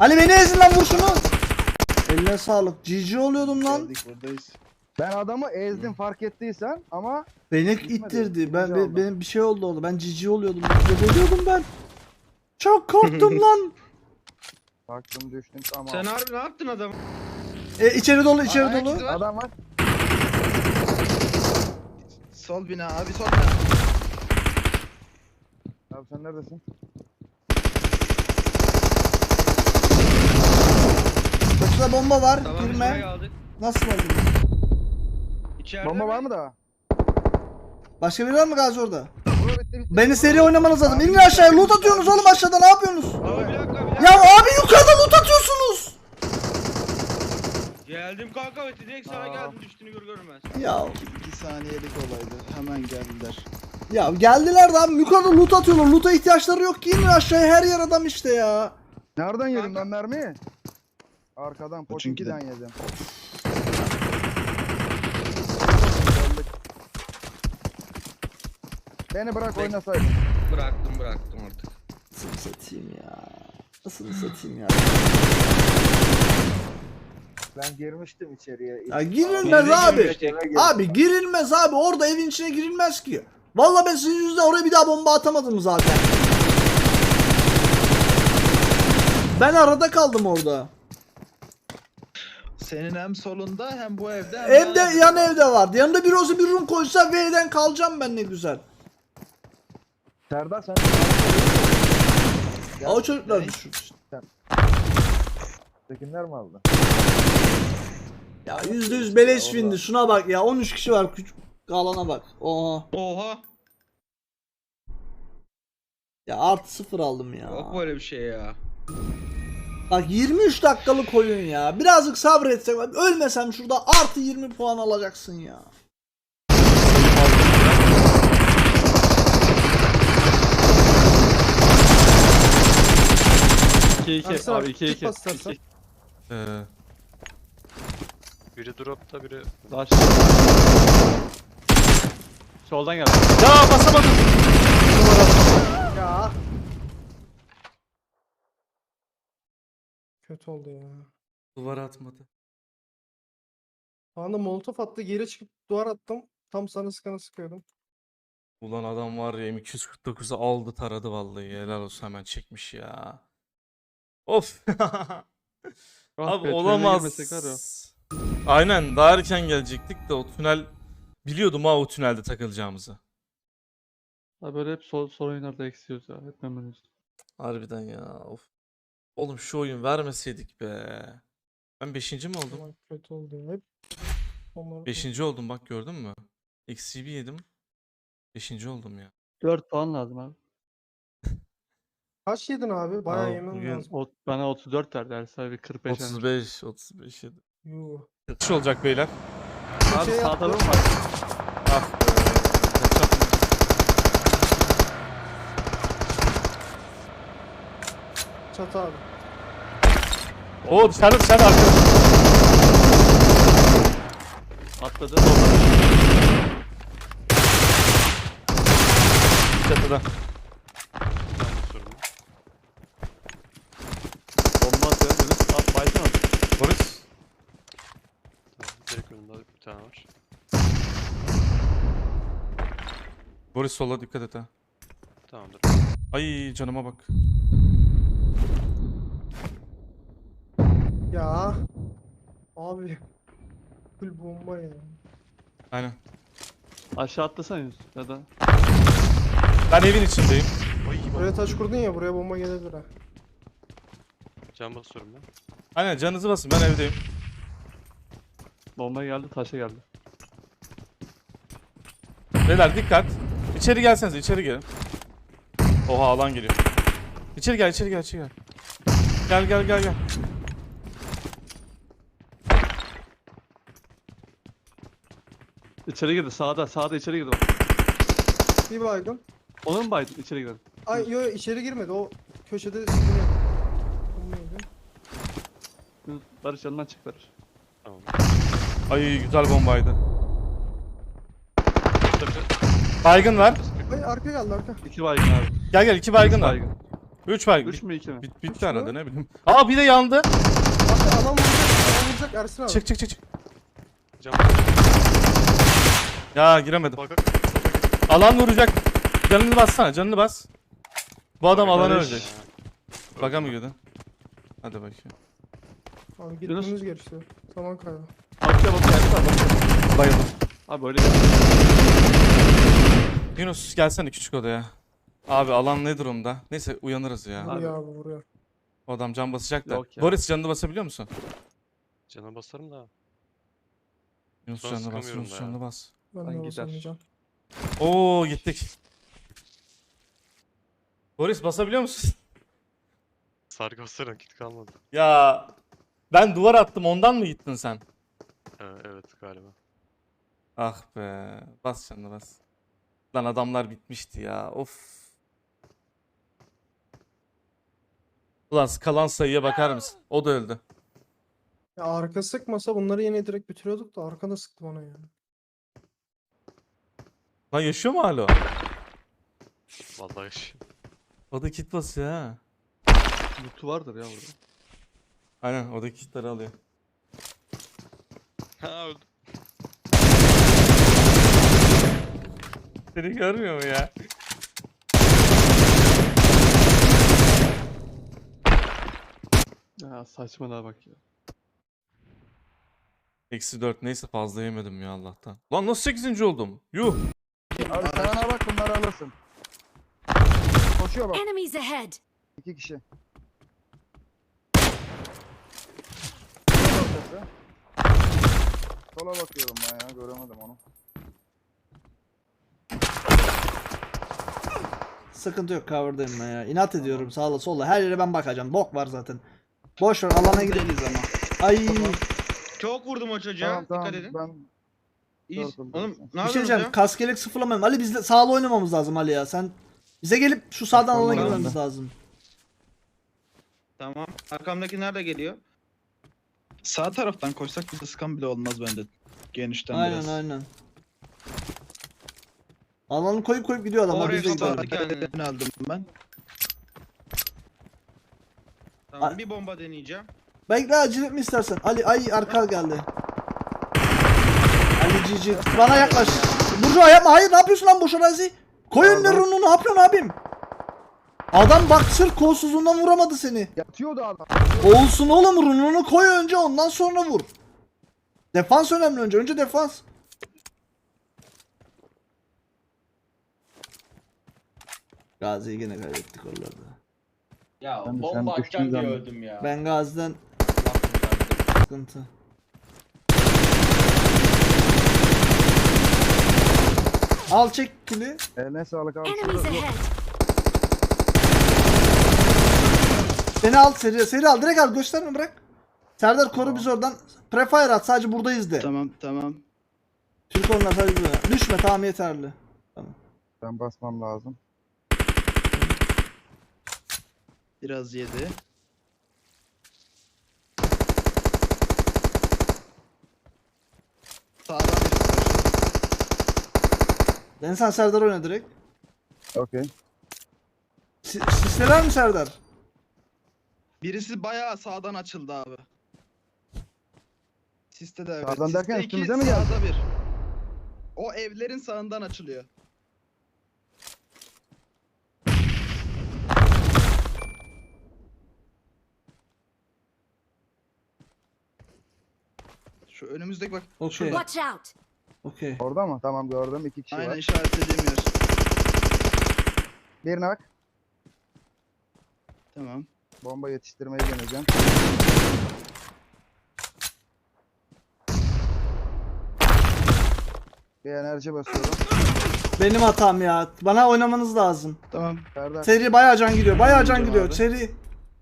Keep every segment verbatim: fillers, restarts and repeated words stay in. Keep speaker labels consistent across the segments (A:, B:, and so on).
A: Ali beni ezin lan, vur şunu. Eline sağlık. G G oluyordum lan.
B: Geldik buradayız.
C: Ben adamı ezdim fark ettiysen ama
A: Beni
C: Gitmedi,
A: ittirdi. Ben,
C: birinci
A: ben
C: aldım.
A: benim bir şey oldu orada. Ben G G oluyordum. Ölüyordum ben. Çok korktum lan.
C: baktım düştüm tamam.
D: Sen harbi ne yaptın adam?
A: E, içeri dolu, içeri
D: Ayak
A: dolu.
D: izi var.
C: Adam var.
B: Sol bina abi, sol bina.
C: Abi sen neredesin?
A: Çatıda bomba var.
D: Tamam biz
A: Girme.
D: buraya aldık.
A: Nasıl oldu?
D: İçeride
C: Bomba
D: mi?
C: var mı daha?
A: Başka biri var mı Gazi orada?
C: Bura bitti bitti.
A: Beni seri oynamanız lazım.
C: Abi,
A: İnin aşağıya. Loot
C: abi,
A: atıyorsunuz
C: abi.
A: oğlum aşağıda. Ne yapıyorsunuz?
D: Abi bir dakika bir dakika.
A: Ya abi yukarıda loot atıyorsunuz.
D: Geldim kanka ve direkt sana
C: Aa.
D: geldim düştüğünü gör görmez.
A: Ya
B: iki saniyelik olaydı. Hemen geldiler.
A: ya geldiler de abi yukarıda loot atıyorlar. Loot'a ihtiyaçları yok ki. İnin aşağıya, her yer adam işte ya.
C: Nereden yedim
D: Kanka.
C: ben mermiyi? Arkadan
B: Çünkü de-
C: Poçinki'den yedim. Beni bırak
D: Bek-
C: oynasaydın.
D: Bıraktım bıraktım artık.
A: Nasıl satayım ya? Nasıl satayım ya?
C: Ben girmiştim içeriye.
A: Ya girilmez
D: Girdi,
A: abi.
D: girmiştik.
A: Abi girilmez abi. Orada evin içine girilmez ki. Vallahi ben sizin yüzünden oraya bir daha bomba atamadım zaten. Ben arada kaldım orada.
B: Senin hem solunda hem bu evde hem
A: Evde,
B: yan
A: yan evde vardı. Yanında bir olsa bir room koysa V'den kalacağım ben, ne güzel.
C: Serdar sen...
A: Ya o çocuklar düşün işte.
C: Tekinler mi aldı?
A: Ya yüzde yüz beleş windi. Şuna bak ya. on üç kişi var. Küçük alana bak. Oha.
D: Oha.
A: Ya artı sıfır aldım ya.
D: Yok böyle bir şey ya.
A: Bak yirmi üç dakikalık oyun ya. Birazcık sabretsek. Ölmesem şurada artı yirmi puan alacaksın ya.
E: iki iki abi iki iki.
F: Ee, biri dropta biri
E: Daha soldan geldi.
F: ya basamadım.
A: Ya.
G: Kötü oldu ya.
F: Duvara atmadı.
G: Anda molotof attı, geri çıkıp duvar attım. Tam sana sıkana sıkıyordum.
F: Ulan adam var ya M iki yüz kırk dokuzu aldı taradı vallahi, helal olsun, hemen çekmiş ya. Of. Abi olamaz. Aynen, daha erken gelecektik de o tünel, biliyordum ha o tünelde takılacağımızı.
E: Abi böyle hep sol, sol oyunlarda eksiyoruz ya. Hep memnunuz.
F: Harbiden ya, of. Oğlum şu oyun vermeseydik be. Ben beşinci mi oldum?
G: Ama kötü oldu ya. Hep onları...
F: Beşinci oldum bak, gördün mü? X C B yedim. Beşinci oldum ya.
E: dört puan lazım abi.
G: Kaç yedin abi? Bayağı
F: Abi
G: yemen
F: bugün-
G: lazım.
E: O, bana otuz dört verdi her sahibi kırk beş.
F: otuz beş, otuz beş yedim.
G: Yuh.
F: Kaç olacak beyler?
E: Abi
G: Şey
E: sağda mı
G: yaptı.
E: var?
F: Ah be. Kaçak.
G: Çatı abi.
F: Oo dışarıda dışarıda arkada.
E: Atladı.
F: Çatıda.
E: Bomba atıyor. Yunus at baysana.
F: Boris.
H: Direkt önünde bir tane var.
F: Boris sola dikkat et ha.
H: Tamamdır.
F: Ay canıma bak.
G: Ya. Abi. Full bomba ya.
F: Aynen.
E: Aşağı atlasana Yunus. Ya da.
F: Ben evin içindeyim.
G: Buraya taş kurdun ya, buraya bomba gelebilir ha.
H: Can basıyorum ben.
F: Aynen, canınızı basın, ben evdeyim.
E: Bomba geldi taşa geldi.
F: Beyler dikkat. İçeri gelsenize, içeri gelin. Oha alan geliyor. İçeri gel, içeri gel, içeri gel. Gel gel gel gel.
E: İçeri girdi sağda sağda içeri girdi. Bak.
G: Bir baygın.
E: Onu mu baydın içeri giren?
G: Ay yo yo, içeri girmedi. O köşede sürünüyor. Bomba yedi.
E: Yunus Barış yanından çık Barış.
H: Tamam.
F: Ay güzel bombaydı.
H: Tabii.
F: Baygın var.
G: Ay arka geldi arka.
E: İki baygın abi.
F: Gel gel, iki baygın var.
E: Baygın.
F: üç bak.
E: üç mü iki mi?
F: Bit, bitti herhalde ne bileyim. Aa bir de yandı.
G: Abi adam vuracak. Adam vuracak Ersin abi.
F: Çık çık çık çık.
H: Cam
F: Ya giremedim.
H: bak.
F: Alan vuracak. Canını bassana, canını bas. Bu adam
H: Bak,
F: alanı
H: Barış.
F: ölecek. Baka mı girdin? Hadi bakayım.
G: Abi gitmemiz gerekiyor. Zaman kaybı.
E: Bakıyor bakıyor Ersin abi bakıyor.
F: Bayıldım.
E: Abi öyle gel.
F: Yunus gelsene küçük odaya. Abi alan ne durumda? Neyse uyanırız ya.
G: Vuruyor abi vuruyor.
F: O adam can basacak da.
E: Yok ya.
F: Boris canını basabiliyor musun?
H: Cana basarım da.
F: Yunus
H: Ben
F: canını bas,
H: sıkamıyorum
F: Yunus
H: da
F: canını bas.
G: Ben
E: Ben
G: de
E: gider.
G: basamayacağım.
F: Oo gittik. Boris basabiliyor musun?
H: Sargı basarım kit kalmadı.
F: Ya ben duvar attım ondan mı gittin sen?
H: Ee, evet galiba.
F: Ah be. Bas canını bas. Lan adamlar bitmişti ya. Of. Ulan kalan sayıya bakar mısın? O da öldü.
G: Ya arka sıkmasa bunları yine direkt bitiriyorduk da arka da sıktı bana yani.
F: Lan yaşıyor mu hala o?
H: Vallahi yaş-
F: O da kit basıyor ha.
E: Mutu vardır ya burada.
F: Aynen o da kitleri alıyor.
H: Ha öldü.
F: Seni görmüyor mu ya?
E: Ya saçmalığa bak ya.
F: Eksi dört neyse fazla yemedim ya Allah'tan. Lan nasıl sekizinci oldum? Yuh.
C: Abi sana bak bunları alırsın. Koşuyor bak.
I: Enemies ahead!
C: İki kişi. Sola Sola bakıyorum ben ya göremedim onu.
A: Sıkıntı yok, cover'dayım ben ya. İnat ediyorum sağla sola. Her yere ben bakacağım. Bok var zaten. Boş ver, alana gidelim.
B: Değiliz ama.
A: Ay.
D: Çok vurdum o çocuğa.
C: Tamam tamam
D: Dikkat edin.
C: ben
D: İyi.
C: Dört oldu.
D: Oğlum ne
A: Bir şey
D: yapıyorsunuz
A: diyeceğim.
D: ya?
A: Kaskelek sıfırlamayalım. Ali bizle sağla oynamamız lazım Ali ya. Sen bize gelip şu sağdan alana
C: Tamam.
A: girmemiz lazım.
D: Tamam. Arkamdaki nerede geliyor?
B: Sağ taraftan koşsak bize sıkan bile olmaz bende. Genişten
A: Aynen
B: biraz.
A: aynen. Alanı koyup koyup gidiyor adamlar.
D: Oraya
A: Biz de
D: kapalı.
A: gidelim.
D: Yani.
B: Ben aldım ben.
D: Tamam
A: Ay.
D: bir bomba deneyeceğim.
A: Bekle, acele etme istersen. Ali ay arka geldi. Ali cici. Bana yaklaş. Burcu yapma. Hayır, ne yapıyorsun lan boş arazi? Koy önüne rununu, ne yapıyorsun abim? Adam bak sırf kolsuzluğundan vuramadı seni.
C: yatıyordu adam.
A: Olsun oğlum, rununu koy önce, ondan sonra vur. Defans önemli önce. Önce defans. Gazi'yi gene kaybettik oralarda.
J: Ya
C: Ben de sen
J: bomba
C: düştüğün
J: atacağım diye
C: zaman-
J: öldüm ya.
A: Ben Gazi'den sıkıntı. Al çek kili.
C: Eline sağlık abi.
I: Enemies
C: Şurada-
I: ahead!
A: Beni al seri. Seri al. Direkt al. Gösterme, bırak. Serdar koru biz oradan. Prefire at. Sadece buradayız de.
B: Tamam tamam.
A: Türk onlar sadece burada. Düşme, tamam yeterli.
C: Ben basmam lazım.
B: Biraz yedi. Sağdan birisi var.
A: Ben sen Serdar oyna direkt.
C: Okey.
A: Si Sisleler mi Serdar?
B: Birisi bayağı sağdan açıldı abi. Siste de evet.
C: Sağdan
B: Siste
C: derken
B: iki,
C: üstümüze mi geldi?
B: Sağda bir. O evlerin sağından açılıyor. Şu önümüzdeki bak.
A: Okey.
I: Watch out!
A: Okey.
C: Orada mı? Tamam gördüm. İki kişi
B: Aynen
C: var.
B: işaretlediğim yer.
C: Birine bak.
B: Tamam.
C: Bomba yetiştirmeyi deneyeceğim. Bir enerji basıyorum.
A: Benim hatam ya. Bana oynamanız lazım.
B: Tamam.
C: Serdar.
A: Seri bayağı can gidiyor. Bayağı can
B: Oynayacağım
A: gidiyor.
B: abi.
A: Seri.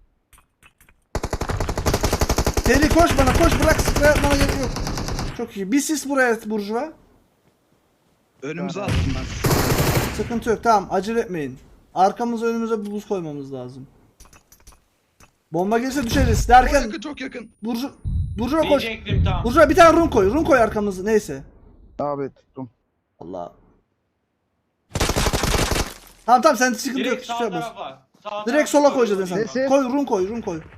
A: Seri koş bana, koş, bırak, sprey atmana gerek yok. Çok iyi. Bir sis buraya Burjuva.
B: Önümüze
C: Tamam.
B: attım ben.
A: Sıkıntı yok, tamam, acele etmeyin. Arkamıza önümüze buz koymamız lazım. Bomba gelirse düşeriz
B: Çok
A: derken
B: yakın çok yakın.
A: Burju Burjuva koş.
J: Diyecektim tam.
A: Burjuva bir tane run koy. Run koy arkamızı. Neyse.
C: Abi tuttum.
A: Allah. Tamam tamam, sen sıkıntı yok.
J: Direkt
A: Hiçbir
J: sağ
A: şey yapmaz.
J: tarafa. Sağ
I: Sağ
A: Direkt sola koyacağız sen.
C: Nesi?
A: Koy run koy run koy.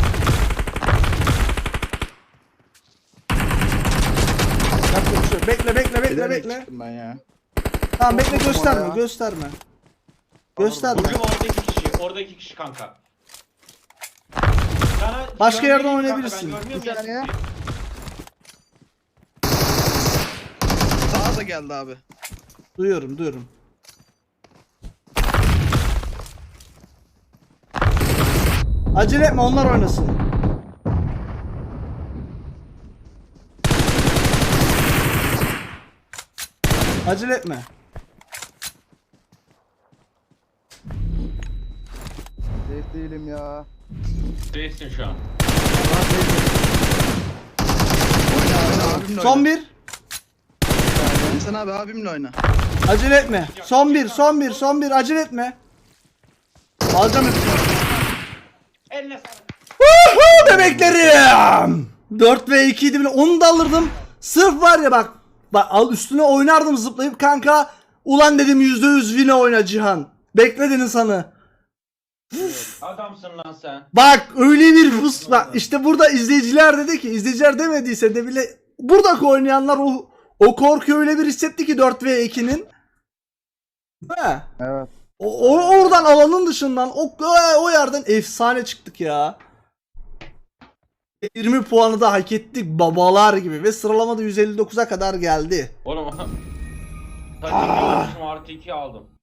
A: Yapacak bir şey yok. Bekle bekle bekle
B: Bilerek
A: bekle.
B: çıktım ben ya.
A: Tamam bekle
C: Korktum
A: gösterme
C: ona ya.
A: gösterme. Gösterme.
I: Burcu orada iki kişi. Orada iki kişi kanka. Sana
A: Başka
I: görmüyor
A: yerden
I: muyum kanka?
A: oynayabilirsin.
I: Ben görmüyorum
C: Bir
I: ya
C: saniye.
I: sizi.
B: Sağa da geldi abi.
A: Duyuyorum duyuyorum. Acele etme onlar oynasın. Acele etme.
C: Safe değilim ya.
I: Değilsin şu an.
B: Oyna oyna abimle
A: Son
B: oyna.
A: bir.
B: Sen abi abimle oyna.
A: Acele etme. Son bir, son bir, son bir. Acele etme. Alacağım hepsini.
I: Eline sağlık.
A: Woohoo bebeklerim. dört ve iki idi bile. Onu da alırdım. Sırf var ya bak. Bak al üstüne oynardım zıplayıp kanka. Ulan dedim yüzde yüz win oyna Cihan. Bekledin insanı.
I: Adamsın lan sen.
A: Bak öyle bir fıs bak işte burada izleyiciler dedi ki izleyiciler demediyse de bile buradaki oynayanlar o o korkuyu öyle bir hissetti ki dört ve ikinin. He.
C: Evet.
A: O, o- oradan alanın dışından o o yerden efsane çıktık ya. yirmi puanı da hak ettik babalar gibi ve sıralamada yüz elli dokuza kadar geldi.
I: Oğlum. Tabii ki artı iki aldım.